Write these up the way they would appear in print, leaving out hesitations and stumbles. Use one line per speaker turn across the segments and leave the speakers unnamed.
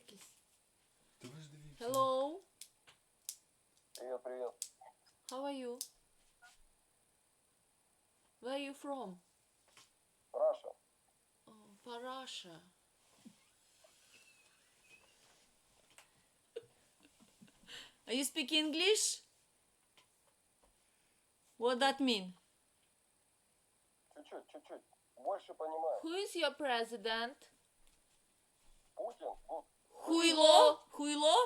якийсь.
Та ви ж дивіться.
Hello,
Привет, привет.
how are you? Where are you from?
Раша.
Oh, Parasha. Are you speak English? What that mean?
Чуть-чуть, чуть-чуть. Больше понимаю.
Who is your president?
Путин, вот,
Хуйло? Хуйло?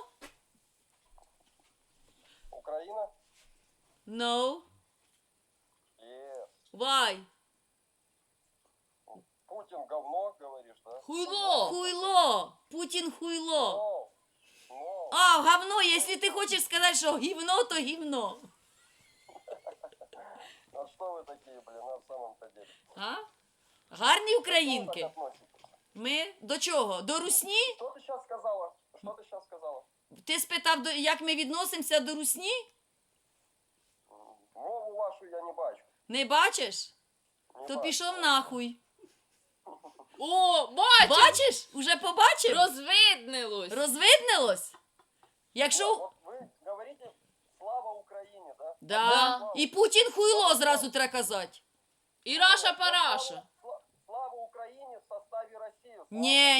Украина.
No.
Yes.
Why?
Путин говно, говоришь, да?
Хуйло! Хуйло! Путін хуйло.
No. No.
А, говно, якщо ти хочеш сказати, що гівно, то гівно.
А что вы такие, блин, на самом-то деле?
А? Гарні
Как
українки.
относитесь?
Ми до чого? До русні?
Что ты сейчас сказала? Что ты сейчас сказала?
Ти спитав, як ми відносимося до русні?
Мову вашу я не бачу.
Не бачиш?
Не
То
бачу.
пішов нахуй.
О, бачиш!
Бачиш? Уже побачив?
Розвиднилось.
Розвиднилось? Якщо...
Вот вы говорите «Слава Украине», да?
Да. І Путін хуйло зразу треба казати.
І Раша Параша.
Слава Украине в составе России. Слава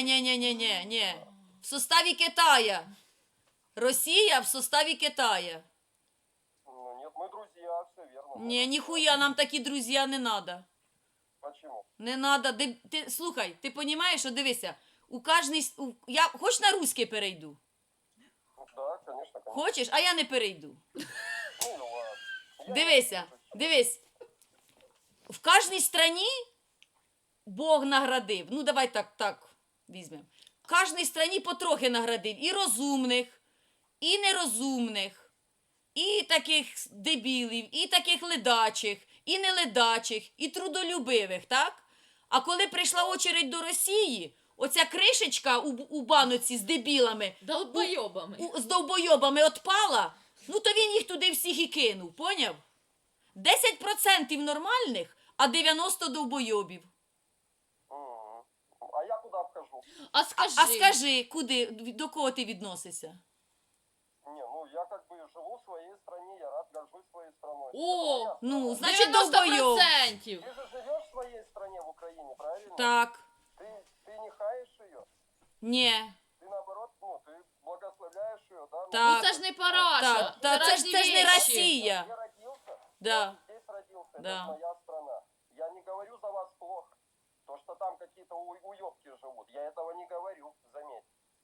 Ні. В составі Китая. Росія в составі Китая.
Ну нет, мы друзья, все верно.
Ні, ніхуя, нам такі друзі не надо.
Почему?
Не надо. Слухай, ти розумієш, що дивися, у кожній... Я хоч на русський перейду?
Да, конечно, конечно.
Хочеш? А я не перейду.
Ну, ладно. Я
Дивися, дивись. В кожній страні Бог наградив. Ну, давай так візьмемо. В кожній страні потрохи наградив і розумних, і нерозумних, і таких дебілів, і таких ледачих, і неледачих, і трудолюбивих, так? А коли прийшла очередь до Росії, оця кришечка у баноці з дебілами,
Долбойобами.
з довбойобами отпала, ну то він їх туди всіх і кинув, поняв? 10% нормальних, а 90 довбойобів.
Мгм. А я куда вхожу?
А скажи.
А скажи, до кого ти відносишся?
Не, ну я как бы живу в своей стране, я рад, горжусь своей страной.
О,
Это моя
Ну,
страна.
значить, довбойоб.
90%.
Ты же живешь в своей стране, в Украине, правильно?
Так,
Ты не хаешь ее?
ні,
Ты наоборот, ну, ты благословляешь ее, да? Ну,
Так.
Ну це ж не Параша.
так, та це ж не
різні
Росія.
Я родился,
Да.
я здесь родился,
Да.
это моя страна. Я не говорю за вас плохо. То, что там какие-то уёбки живут, я этого не говорю, заметь.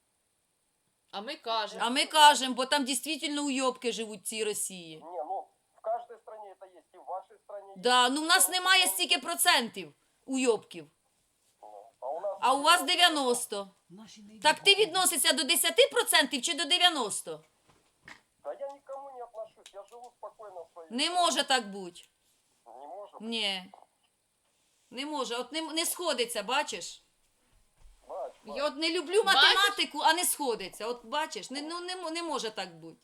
А ми кажемо.
А ми кажемо, бо там дійсно уйобки живуть в цій Росії.
Не, ну, в каждой стране это есть, и в вашей стране
Да,
есть.
ну в нас немає стільки процентів уйобків,
Ну,
а у вас 90. Так ти відносишся до 10% чи до 90?
Да я никому не отношусь, я живу спокойно в своей
Не може так бути.
Не может.
Ні. Не може. От не сходиться, бачиш?
Бач,
Я от не люблю математику, а не сходиться. От бачиш, не може так бути.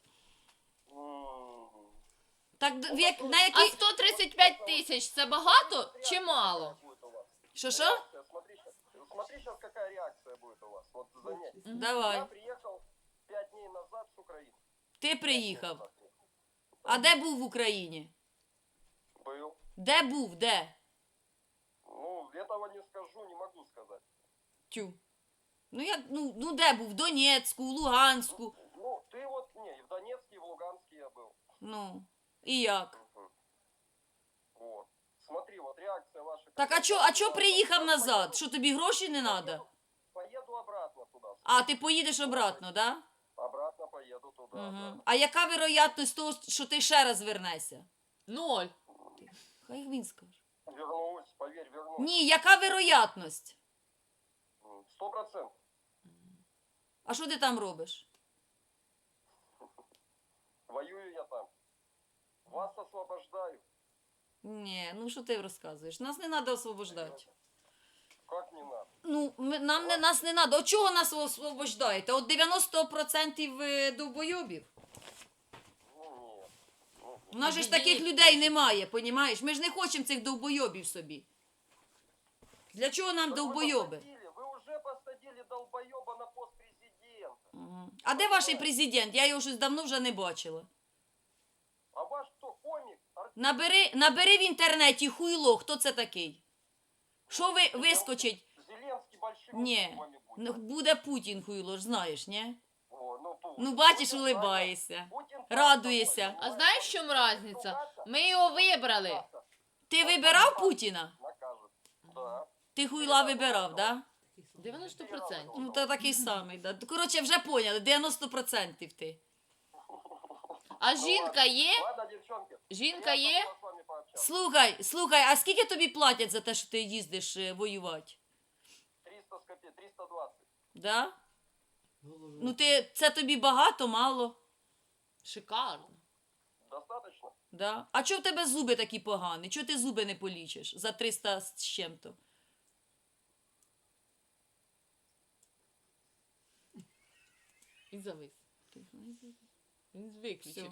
Так, на
А
якій...
135 тисяч це багато чи мало?
будет у вас.
Що?
Смотри сейчас, какая реакция будет у вас. Вот заметь. Я
Давай.
приехал 5 дней назад с Украины.
Ти приїхав. А де був в Україні?
Был.
Де був? Де?
Ну, этого не скажу, не могу сказать.
Тю. Ну де був? В Донецьку, в Луганську.
Ну, ты вот, не, и в Донецке, и в Луганске я был.
Ну, і як?
Вот. Смотри, вот реакция ваша.
Так, а чо приїхав назад? Що, тобі гроші не треба?
Поеду обратно туда.
А, ти поїдеш обратно, да?
Обратно поеду туда. да.
Угу. А яка вероятність того, що ти ще раз вернешся?
0.
Хай він скаже.
Вернусь, поверь, вернусь.
Ні, яка вероятність?
100%.
А що ти там робиш?
Воюю я там. Вас освобождаю.
Ні, ну що ти розказуєш? Нас не треба освобождати.
Как не надо?
Ну, нас не треба. От чого нас освобождаєте? От 90% довбойобів?
Ну, нет. Ну,
У нас же ж таких людей немає, понімаєш? Ми ж не хочемо цих довбойобів собі. Для чого нам
так
довбойоби?
Вы уже посадили долбоеба на пост президента.
А де ваш президент? Я його щось давно вже не бачила.
А ваш кто, комик?
Набери в інтернеті хуйло, хто це такий? Що ви вискочить?
Зеленский большим
Ні,
вами будет.
ну, буде Путін хуйло ж, знаєш, ні?
О, ну, Путин.
Ну, бачиш,
Путин,
улибаєшся.
Путин
Радуєшся.
А знаєш, в чому різниця? Ми його вибрали.
Ти вибирав Путіна?
Накажет. Да.
Ти хуйла вибирав, да?
90%.
Ну, то такий самий, да. Коротше, вже поняли, 90% ти.
А жінка є?
Ладно, девчонки.
Жінка
приятно
є?
было с вами пообщаться.
Слухай, а скільки тобі платять за те, що ти їздиш воювати?
300 с копеек, 320.
Да? Ну, це тобі багато, мало?
Шикарно.
Достаточно?
Да? А чого в тебе зуби такі погані? Чого ти зуби не полічиш за 300 з чим-то?
І завис. Він виключив.